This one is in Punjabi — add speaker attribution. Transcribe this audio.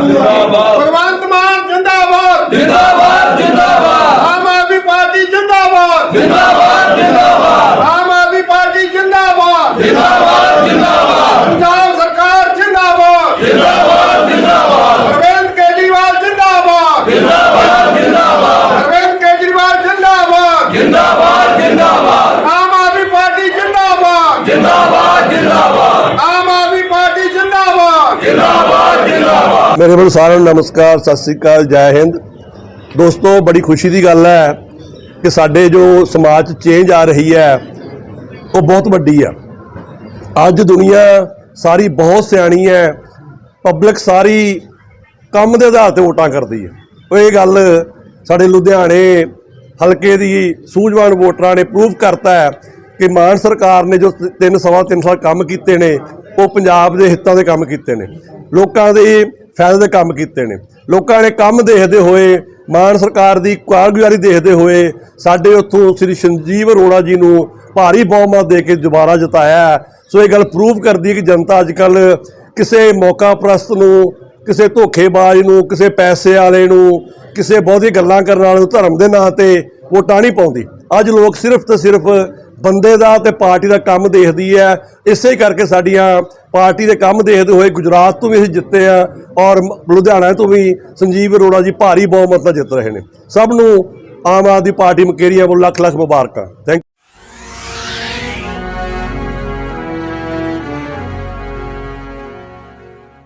Speaker 1: भगवंत मान जिंदाबाद जिंदाबाद जिंदाबाद। आम आदमी पार्टी जिंदाबाद जिंदाबाद जिंदाबाद। आम आदमी पार्टी जिंदाबाद जिंदाबाद जिंदाबाद। पंजाब सरकार जिंदाबाद जिंदाबाद जिंदाबाद। अरविंद केजरीवाल जिंदाबाद जिंदाबाद जिंदाबाद। अरविंद केजरीवाल जिंदाबाद जिंदाबाद जिंदाबाद। आम आदमी पार्टी जिंदाबाद जिंदाबाद जिंदाबाद। आम आदमी पार्टी जिंदाबाद जिंदाबाद जिंदाबाद।
Speaker 2: मेरे ਵੱਲੋਂ ਸਾਰਿਆਂ ਨੂੰ ਨਮਸਕਾਰ, ਸਤਿ ਸ੍ਰੀ ਅਕਾਲ, ਜੈ ਹਿੰਦ। ਦੋਸਤੋ, ਬੜੀ ਖੁਸ਼ੀ ਦੀ ਗੱਲ ਹੈ ਕਿ ਸਾਡੇ ਜੋ ਸਮਾਜ 'ਚ ਚੇਂਜ ਆ ਰਹੀ ਹੈ ਉਹ ਬਹੁਤ ਵੱਡੀ ਆ। ਅੱਜ ਦੁਨੀਆ ਸਾਰੀ ਬਹੁਤ ਸਿਆਣੀ ਹੈ, ਪਬਲਿਕ ਸਾਰੀ ਕੰਮ ਦੇ ਆਧਾਰ ਤੇ ਵੋਟਾਂ ਕਰਦੀ ਹੈ। ਉਹ ਇਹ ਗੱਲ ਸਾਡੇ ਲੁਧਿਆਣੇ ਹਲਕੇ ਦੀ ਸੂਝਵਾਨ ਵੋਟਰਾਂ ਨੇ ਪ੍ਰੂਵ ਕਰਤਾ ਹੈ ਕਿ ਮਾਨ ਸਰਕਾਰ ਨੇ ਜੋ 3 ਸਾਲ ਕੰਮ ਕੀਤੇ ਨੇ ਉਹ ਪੰਜਾਬ ਦੇ ਹਿੱਤਾਂ ਦੇ ਕੰਮ ਕੀਤੇ ਨੇ, ਲੋਕਾਂ ਦੇ ਫਾਇਦੇ ਦੇ ਕੰਮ ਕੀਤੇ ਨੇ। ਲੋਕਾਂ ਨੇ ਕੰਮ ਦੇਖਦੇ ਹੋਏ, ਮਾਨ ਸਰਕਾਰ ਦੀ ਕਾਰਗੁਜ਼ਾਰੀ ਦੇਖਦੇ ਹੋਏ ਸਾਡੇ ਉੱਥੋਂ ਸ੍ਰੀ ਸੰਜੀਵ ਅਰੋੜਾ ਜੀ ਨੂੰ ਭਾਰੀ ਬਹੁਮਤ ਦੇ ਕੇ ਦੁਬਾਰਾ ਜਿਤਾਇਆ। ਸੋ ਇਹ ਗੱਲ ਪ੍ਰੂਵ ਕਰਦੀ ਹੈ ਕਿ ਜਨਤਾ ਅੱਜ ਕੱਲ੍ਹ ਕਿਸੇ ਮੌਕਾ ਪ੍ਰਸਤ ਨੂੰ, ਕਿਸੇ ਧੋਖੇਬਾਜ਼ ਨੂੰ, ਕਿਸੇ ਪੈਸੇ ਵਾਲੇ ਨੂੰ, ਕਿਸੇ ਬਹੁਤੀ ਗੱਲਾਂ ਕਰਨ ਵਾਲੇ ਨੂੰ ਧਰਮ ਦੇ ਨਾਂ 'ਤੇ ਵੋਟਾਂ ਨਹੀਂ ਪਾਉਂਦੀ। ਅੱਜ ਲੋਕ ਸਿਰਫ ਤੇ ਸਿਰਫ ਬੰਦੇ ਦਾ ਤੇ ਪਾਰਟੀ ਦਾ ਕੰਮ ਦੇਖਦੀ ਹੈ। ਇਸੇ ਕਰਕੇ ਸਾਡੀਆਂ ਪਾਰਟੀ ਦੇ ਕੰਮ ਦੇਖਦੇ ਹੋਏ ਗੁਜਰਾਤ ਤੋਂ ਵੀ ਅਸੀਂ ਜਿੱਤੇ ਆ ਔਰ ਲੁਧਿਆਣਾ ਤੋਂ ਵੀ ਸੰਜੀਵ ਅਰੋੜਾ ਜੀ ਭਾਰੀ ਬਹੁਮਤ ਨਾਲ ਜਿੱਤ ਰਹੇ ਨੇ। ਸਭ ਨੂੰ ਆਮ ਆਦਮੀ ਪਾਰਟੀ ਮੁਕੇਰੀਆਂ ਵੱਲੋਂ ਲੱਖ ਲੱਖ ਮੁਬਾਰਕਾਂ। ਥੈਂਕ